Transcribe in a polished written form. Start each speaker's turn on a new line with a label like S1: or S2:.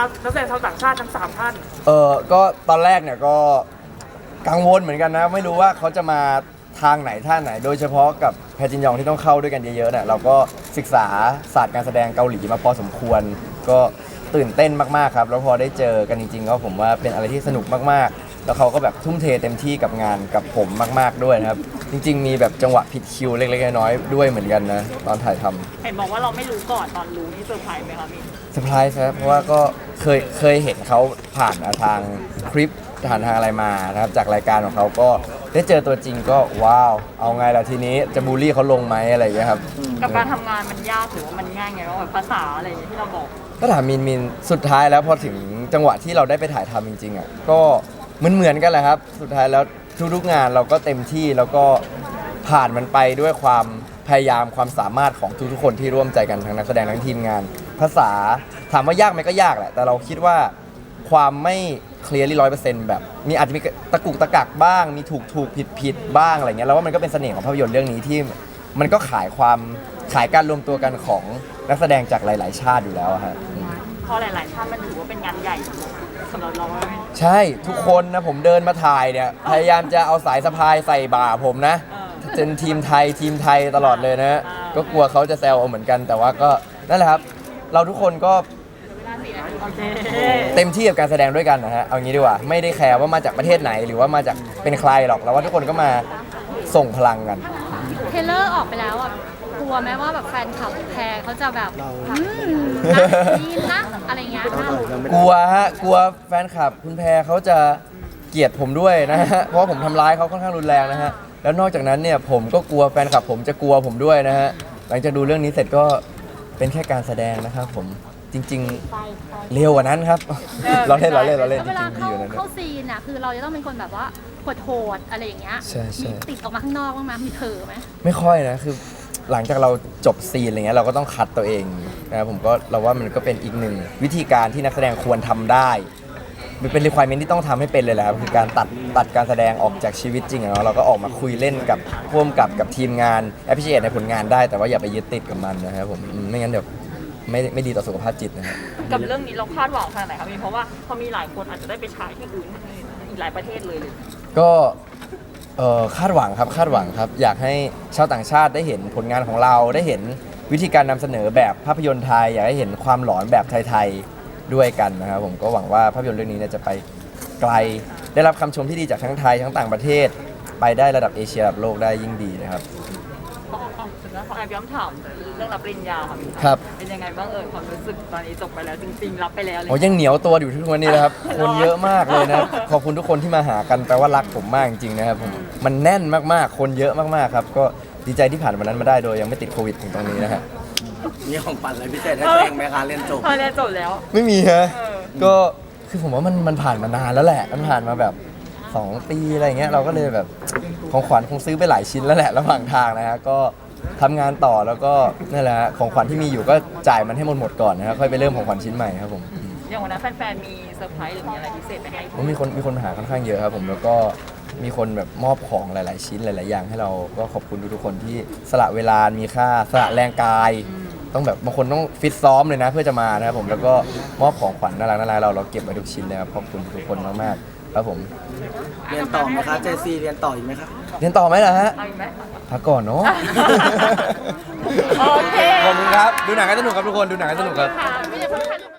S1: นักแสดงชาวต่างชาติทั้ง3ท่าน
S2: ก็ตอนแรกเนี่ยก็กังวลเหมือนกันนะไม่รู้ว่าเขาจะมาทางไหนท่าไหนโดยเฉพาะกับแพจินยองที่ต้องเข้าด้วยกันเยอะๆเนี่ยเราก็ศึกษาศาสตร์การแสดงเกาหลีมาพอสมควรก็ตื่นเต้นมากๆครับแล้วพอได้เจอกันจริงๆก็ผมว่าเป็นอะไรที่สนุกมากๆแล้วเขาก็แบบทุ่มเทเต็มที่กับงานกับผมมากๆด้วยนะครับจริงๆมีแบบจังหวะผิดคิวเล็กๆน้อยๆด้วยเหมือนกันนะตอนถ่ายทำ
S1: เห็นบอกว่าเราไม่รู้ก่อนตอนรู้นี่เซอร์ไพรส์ไหมคะพี่
S2: เซอร์ไพรส์ครับเพราะว่าก็เคยเห็นเขาผ่านทางคลิปผ่านทางอะไรมานะครับจากรายการของเขาก็ได้เจอตัวจริงก็ว้าวเอาไงล่ะทีนี้จะบูลลี่เขาลงไหมอะไรอย่างเงี้ยครับ
S1: กับการทำงานมันยากหรือว่ามันง่ายไงว่าแบบภาษาอะไรอย่างเงี้ยที่เราบอก
S2: ก็ถามมินสุดท้ายแล้วพอถึงจังหวะที่เราได้ไปถ่ายทำจริงๆอ่ะก็เหมือนกันแหละครับสุดท้ายแล้วทุกๆงานเราก็เต็มที่แล้วก็ผ่านมันไปด้วยความพยายามความสามารถของทุกๆคนที่ร่วมใจกันทั้งนักแสดงทั้งทีมงานภาษาถามว่ายากไหมก็ยากแหละแต่เราคิดว่าความไม่เคลียร์ลี่100%แบบมีอาจจะมีตะกุกตะกักบ้างมีถูกผิดบ้างอะไรเงี้ยแล้วว่ามันก็เป็นเสน่ห์ของภาพยนตร์เรื่องนี้ที่มันก็ขายการรวมตัวกันของนักแสดงจากหลายๆชาติอยู่แล้วฮะ
S1: พอหลายๆชาติมันถือว่าเป็นงานใหญ่สำหรับเรา
S2: ใช่ทุกคนนะผมเดินมาถ่ายเนี่ยพยายามจะเอาสายสะพายใส่บ่าผมนะเป็นทีมไทยตลอดเลยนะก็กลัวเขาจะแซวเอาเหมือนกันแต่ว่าก็นั่นแหละครับเราทุกคนก็เต็มที่กับการแสดงด้วยกันนะฮะเอางี้ดีกว่าไม่ได้แคร์ว่ามาจากประเทศไหนหรือว่ามาจากเป็นใครหรอกเราว่าทุกคนก็มาส่งพลังกัน
S3: เทเลอร์ออกไปแล้วอ่ะกลัวไหมว่าแบบแฟนคลับแพรเขาจะแบบนี่นะอะไรเงี้ย
S2: กลัวฮะกลัวแฟนคลับคุณแพรเขาจะเกลียดผมด้วยนะฮะเพราะว่าผมทำร้ายเขาค่อนข้างรุนแรงนะฮะแล้วนอกจากนั้นเนี่ยผมก็กลัวแฟนคลับผมจะกลัวผมด้วยนะฮะหลังจากดูเรื่องนี้เสร็จก็เป็นแค่การแสดงนะครับผมจริงๆเร็วกว่านั้นครับเราเล่นจริงๆดีอยู่นะ
S3: เข้าซีนอ่ะคือเราจะต้องเป็นคนแบบว่าโหดอะไรอย่างเงี้ยมีติดออกมาข้างนอกบ้างไหมมีเผลอไหม
S2: ไม่ค่อยนะคือหลังจากเราจบซีนอะไรเงี้ยเราก็ต้องคัดตัวเองนะครับผมก็เราว่ามันก็เป็นอีกหนึ่งวิธีการที่นักแสดงควรทำได้มันเป็น requirement ที่ต้องทำให้เป็นเลยแหละครับคือการตัดการแสดงออกจากชีวิตจริงอะเนาะเราก็ออกมาคุยเล่นกับร่วมกับทีมงาน appreciate ในผลงานได้แต่ว่าอย่าไปยึดติดกับมันนะครับผมไม่งั้นเดี๋ยวไม่ดีต่อสุขภาพจิตนะครับ
S1: กับเรื่องนี้เราคาดหวังขนาดไหนครับพี่เพราะว่าพอมีหลายคนอาจจะได้ไปฉายที่อื่นอีกหลายประเทศเลย
S2: ก็คาดหวังครับอยากให้ชาวต่างชาติได้เห็นผลงานของเราได้เห็นวิธีการนำเสนอแบบภาพยนตร์ไทยอยากให้เห็นความหลอนแบบไทยๆด้วยกันนะครับผมก็หวังว่าภาพยนตร์เรื่องนี้จะไปไกลได้รับคำชมที่ดีจากทั้งไทยทั้งต่างประเทศไปได้ระดับเอเชียระดับโลกได้ยิ่งดีนะครับ
S1: ขอแอบย้อนถามเรื่องรับปริญญา
S2: ครับ
S1: เป็นยังไงบ้างความรู้สึกตอนนี้จบไปแล้วจริงๆรับไปแล้ว
S2: โอ้ยังเหนียวตัวอยู่ทุกวันนี้นะครับคนเยอะมากเลยนะขอบคุณทุกคนที่มาหากันแปลว่ารักผมมากจริงๆนะครับผมมันแน่นมากๆคนเยอะมากๆครับก็ดีใจที่ผ่านวันนั้นมาได้โดยยังไม่ติดโควิดถึงตรงนี้นะฮะ
S4: มีของปั่นอะไรพิเศษให้ตัวเองไหมคะเรียนจบ
S1: แล้ว
S2: ไม่มีฮะก็คือผมว่ามันผ่านมานานแล้วแหละมันผ่านมาแบบ2 ปีอะไรเงี้ยเราก็เลยแบบของขวัญคงซื้อไปหลายชิ้นแล้วแหละระหว่างทางนะฮะก็ทำงานต่อแล้วก็นั่นแหละของขวัญที่มีอยู่ก็จ่ายมันให้หมดก่อนนะครับค่อยไปเริ่มของขวัญชิ้นใหม่ครับผม
S1: อย่างวันนั้นแฟนๆมีเซอร์ไพรส์หรือมีอะไรพิเศษไปให้
S2: มีคนมาหาค่อนข้างเยอะครับผมแล้วก็มีคนแบบมอบของหลายๆชิ้นหลายๆอย่างให้เราก็ขอบคุณทุกคนที่สละเวลามีค่าสละแรงกายต้องแบบบางคนต้องฟิตซ้อมเลยนะเพื่อจะมานะครับผมแล้วก็มอบของขวัญน่ารักเราเก็บไว้ทุกชิ้นเลยครับขอบคุณทุกคนมากๆครับผม
S4: เรียนต่อไหมคะเจซีเรียนต่ออีกไหมครับ
S2: เรียนต่อไหมล่ะฮะพักก่อนเนาะ
S1: โอเค
S2: ขอบคุณครับดูหนังกันสนุกครับทุกคนดูหนังกันสนุกครับ